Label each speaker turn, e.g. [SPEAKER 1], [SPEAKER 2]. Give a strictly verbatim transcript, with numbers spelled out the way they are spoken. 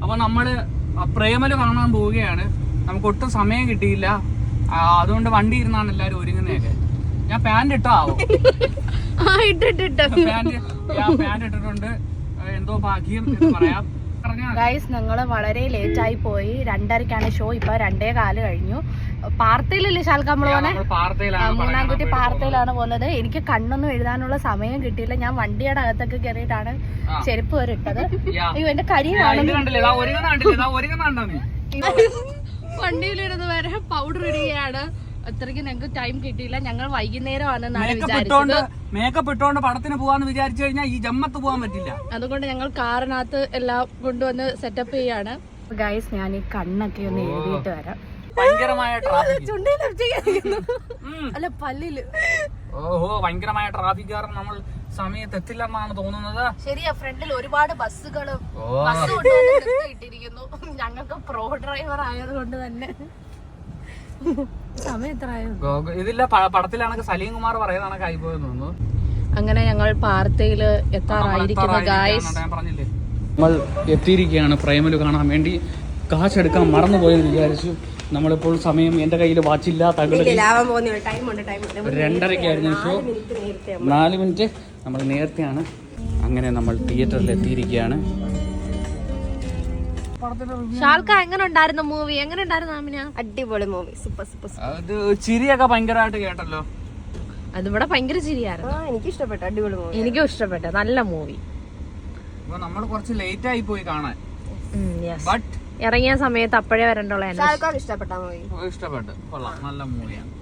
[SPEAKER 1] അപ്പൊ നമ്മള് പ്രേമല് കാണാൻ പോവുകയാണ്. നമുക്ക് ഒട്ടും സമയം കിട്ടിയില്ല, അതുകൊണ്ട് വണ്ടി ഇരുന്നാണ് എല്ലാരും ഒരുങ്ങുന്നതൊക്കെ. ഞാൻ പാന്റ് ഇട്ടോ ആവും, പാന്റ് പാന്റ് ഇട്ടിട്ടുണ്ട്, എന്തോ ഭാഗ്യം എന്ന് പറയാം.
[SPEAKER 2] ഗൈസ് ഞങ്ങള് വളരെ ലേറ്റ് ആയി പോയി. രണ്ടരക്കാണ് ഷോ, ഇപ്പൊ രണ്ടേ കാല് കഴിഞ്ഞു. പാർത്തയിലല്ലേ ശാൽക്ക നമ്മള് പോന്നെ, മൂന്നാം കുട്ടി പാർത്തയിലാണ് പോകുന്നത്. എനിക്ക് കണ്ണൊന്നും എഴുതാനുള്ള സമയം കിട്ടിയില്ല. ഞാൻ വണ്ടിയുടെ അകത്തൊക്കെ കയറിയിട്ടാണ് ചെരുപ്പ് വരെ ഇട്ടത്. അയ്യോ എന്റെ കരി വണ്ടിയിലിരുന്ന് വരെ പൗഡർ ഇടുകയാണ്. അത്രയ്ക്ക് ഞങ്ങൾക്ക് ടൈം കിട്ടിയില്ല. ഞങ്ങൾ വൈകുന്നേരമാണ്
[SPEAKER 1] മേക്കപ്പ് ഇട്ടോണ്ട് പടത്തിന് പോവാന്ന് വിചാരിച്ചു കഴിഞ്ഞാൽ ഈ ജമ്മത്ത് പോകാൻ പറ്റില്ല.
[SPEAKER 2] അതുകൊണ്ട് ഞങ്ങൾ കാറിനകത്ത് എല്ലാം കൊണ്ടുവന്ന് സെറ്റപ്പ് ചെയ്യാണ്. ഗൈസ് ഞാൻ ഈ കണ്ണൊക്കെ ഒന്ന് എഴുതിയിട്ട് വരാം.
[SPEAKER 1] ഭയങ്കരമായ ട്രാഫിക്,
[SPEAKER 2] അല്ല പല്ലില്.
[SPEAKER 1] ഓഹോ, ഭയങ്കരമായ ട്രാഫിക് കാരണം നമ്മൾ സമയത്ത് എത്തില്ലെന്നാണ് തോന്നുന്നത്.
[SPEAKER 2] ശരിയാ, ഫ്രണ്ടിൽ ഒരുപാട് ബസ്സുകളും ബസ് കൊണ്ടുവന്ന് ഇട്ടിരിക്കുന്നു. ഞങ്ങൾക്ക് പ്രോ ഡ്രൈവർ ആയതുകൊണ്ട് തന്നെ സമയം എത്രയോ
[SPEAKER 1] ഇതില്ല. പടത്തിലാണെങ്കിൽ സലീം കുമാർ പറയുന്നതാണ് കൈപോയെന്ന് തോന്നുന്നു.
[SPEAKER 2] അങ്ങനെ ഞങ്ങൾ പാർത്തയില് എത്താറായിരിക്കുന്നു ഗായ്സ്.
[SPEAKER 1] പറഞ്ഞില്ലേ, നമ്മൾ എത്തിയിരിക്കുകയാണ് പ്രേമലു കാണാൻ വേണ്ടി. കാശെടുക്കാൻ മറന്നുപോയെന്ന് വിചാരിച്ചു. നമ്മളിപ്പോൾ സമയം എന്റെ കയ്യിൽ വാച്ചില്ല, തകടി രണ്ടരക്കായിരുന്നു ഷോ, നാല് മിനിറ്റ് നമ്മൾ നേരത്തെയാണ്. അങ്ങനെ നമ്മൾ തിയേറ്ററിൽ എത്തിയിരിക്കുകയാണ്.
[SPEAKER 2] ഷാൽക്ക എങ്ങനെ ഉണ്ടായിരുന്നു മൂവി? എങ്ങനെ ഉണ്ടായിരുന്നു?
[SPEAKER 3] അടിപൊളി മൂവി, സൂപ്പർ സൂപ്പർ.
[SPEAKER 1] അത് ചിരിയൊക്കെ ഭയങ്കരമായിട്ട് കേട്ടല്ലോ.
[SPEAKER 2] അതിവിടെ ഭയങ്കര ചിരിയായിരുന്നു.
[SPEAKER 3] എനിക്ക് ഇഷ്ടപ്പെട്ടു, അടിപൊളി മൂവി.
[SPEAKER 2] എനിക്കും ഇഷ്ടപ്പെട്ടു, നല്ല മൂവി.
[SPEAKER 1] നമ്മൾ കുറച്ച് ലേറ്റ് ആയി പോയി കാണാൻ. ബട്ട്
[SPEAKER 2] ഇറങ്ങിയ സമയത്ത് അപ്പോഴേ വരണ്ടുള്ള
[SPEAKER 3] ഇഷ്ടപ്പെട്ട മൂവി,
[SPEAKER 1] ഇഷ്ടപ്പെട്ടു, കൊള്ളാം, നല്ല മൂവിയാണ്.